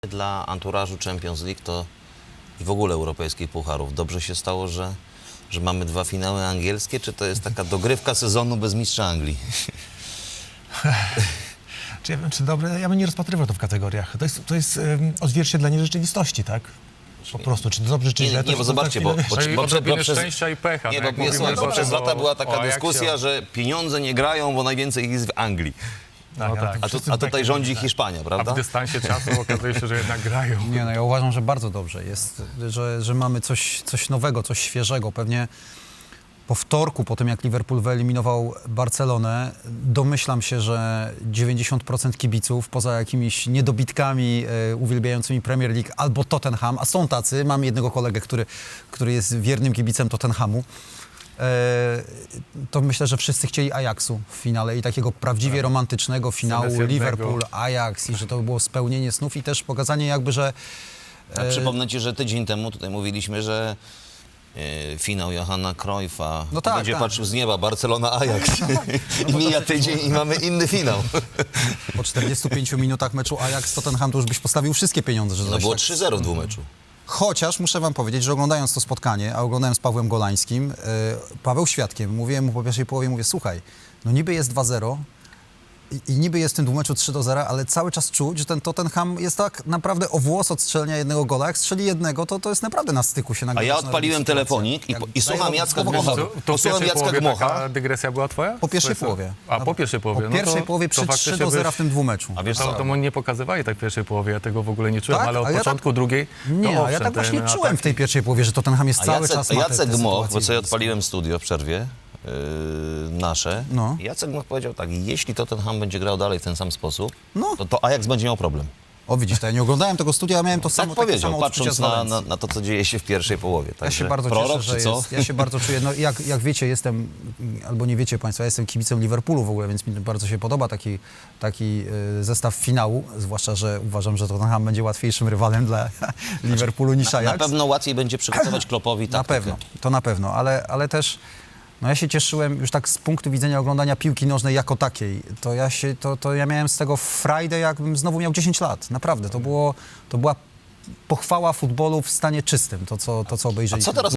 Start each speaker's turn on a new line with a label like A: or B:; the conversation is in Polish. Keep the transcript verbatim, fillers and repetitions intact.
A: Dla anturażu Champions League to i w ogóle europejskich pucharów dobrze się stało, że, że mamy dwa finały angielskie, czy to jest taka dogrywka sezonu bez mistrza Anglii?
B: Czy ja wiem, czy dobre? Ja bym nie rozpatrywał to w kategoriach. To jest, to jest um, odzwierciedlenie rzeczywistości, tak? Po prostu, czy to dobrze, czy
A: Nie,
B: źle.
A: nie,
B: to
A: bo
B: za
A: zobaczcie, bo,
B: chwilę-
A: bo,
C: Czyli
A: bo, bo,
C: odrobinę
A: bo przez,
C: szczęścia i pecha.
A: nie,
C: tak
A: bo,
C: jak
A: jest,
C: mówimy
A: bo
C: potem
A: przez
C: o-
A: lata była taka
C: o Ajaxie,
A: dyskusja,
C: o-
A: że pieniądze nie grają, bo najwięcej ich jest w Anglii.
B: Tak,
C: No
B: ale
C: tak.
B: to
A: A, tu,
B: wszyscy
A: a
B: tak
A: tutaj
B: jak-
A: rządzi
B: tak.
A: Hiszpania,
C: A
A: prawda?
C: w dystansie czasu okazuje się, że jednak grają.
D: Nie, no ja uważam, że bardzo dobrze jest, że, że mamy coś, coś nowego, coś świeżego. Pewnie po wtorku, po tym jak Liverpool wyeliminował Barcelonę, domyślam się, że dziewięćdziesiąt procent kibiców, poza jakimiś niedobitkami e, uwielbiającymi Premier League albo Tottenham, a są tacy, mam jednego kolegę, który, który jest wiernym kibicem Tottenhamu, e, to myślę, że wszyscy chcieli Ajaxu w finale i takiego prawdziwie romantycznego finału
C: Zamiast jednego.
D: Liverpool-Ajax i że to było spełnienie snów i też pokazanie jakby, że
A: A przypomnę ci, że tydzień temu tutaj mówiliśmy, że e, finał Johanna Cruyffa
D: No tak,
A: będzie
D: tak.
A: patrzył z nieba Barcelona-Ajax. I mija tydzień i mamy inny finał.
D: po czterdziestu pięciu minutach meczu Ajax-Tottenham to już byś postawił wszystkie pieniądze, że
A: No
D: coś
A: było
D: tak...
A: trzy zero w dwumeczu.
D: Chociaż muszę wam powiedzieć, że oglądając to spotkanie, a oglądałem z Pawłem Golańskim, yy, Paweł świadkiem, mówiłem mu po pierwszej połowie, mówię, słuchaj, no niby jest dwa zero i, i niby jest w tym dwumeczu trzy do zera, ale cały czas czuć, że ten Tottenham jest tak naprawdę o włos od strzelenia jednego gola. Jak strzeli jednego, to to jest naprawdę na styku się
A: A
D: nagle
A: ja
D: zaczyna
A: odpaliłem
D: robić sytuacja.
A: telefonik i,
D: Jak
A: po- i słucham
D: daję
A: Jacka
D: słowo
A: Gmocha.
D: końcu.
C: To, to w
A: Posłucham
C: pierwszej
A: Jacka
C: połowie
A: Gmocha.
C: taka dygresja była twoja?
D: Po pierwszej
C: Co?
D: połowie.
C: A po pierwszej połowie.
D: Po
C: no
D: pierwszej
C: to,
D: połowie
C: to
D: przy
C: faktycznie
D: trzy do zera
C: byś-
D: w tym dwumeczu.
A: A wiesz
C: To,
A: co?
C: to mu nie pokazywali tak w pierwszej połowie, ja tego w ogóle nie czułem,
D: Tak?
C: ale od
D: A ja tak-
C: początku drugiej...
D: Nie,
C: to
D: a ja
C: owszem,
D: tak właśnie
C: ten
D: czułem w tej pierwszej połowie, że Tottenham jest
A: A
D: cały
A: Jacek,
D: czas ma te,
A: Jacek
D: te
A: Gmoch, bo
D: sytuacje
A: sobie
D: blisko.
A: odpaliłem studio w przerwie, yy, nasze.
D: No.
A: Jacek Gmoch powiedział tak, jeśli Tottenham będzie grał dalej w ten sam sposób,
D: No.
A: to, to Ajax będzie miał problem.
D: O widzisz, to ja nie oglądałem tego studia, a miałem to
A: Tak
D: samo, takie
A: powiedział,
D: samo odczucie
A: patrząc
D: z
A: na,
D: Walencji.
A: na, na to, co dzieje się w pierwszej połowie.
D: Ja
A: Także
D: się bardzo
A: prorok,
D: cieszę, że
A: czy co?
D: jest. Ja się bardzo czuję, no jak, jak wiecie, jestem, albo nie wiecie Państwo, ja jestem kibicem Liverpoolu w ogóle, więc mi bardzo się podoba taki, taki y, zestaw finału, zwłaszcza, że uważam, że Tottenham będzie łatwiejszym rywalem dla Liverpoolu niż
A: Na
D: Ajax.
A: pewno łatwiej będzie przygotować Kloppowi
D: Na
A: taktykę.
D: pewno, to na pewno, ale, ale też no ja się cieszyłem już tak z punktu widzenia oglądania piłki nożnej jako takiej. To ja, się, to, to ja miałem z tego frajdę, jakbym znowu miał dziesięć lat. Naprawdę, to, było, to była pochwała futbolu w stanie czystym, to co, to, co
A: A
D: obejrzeliśmy.
A: co teraz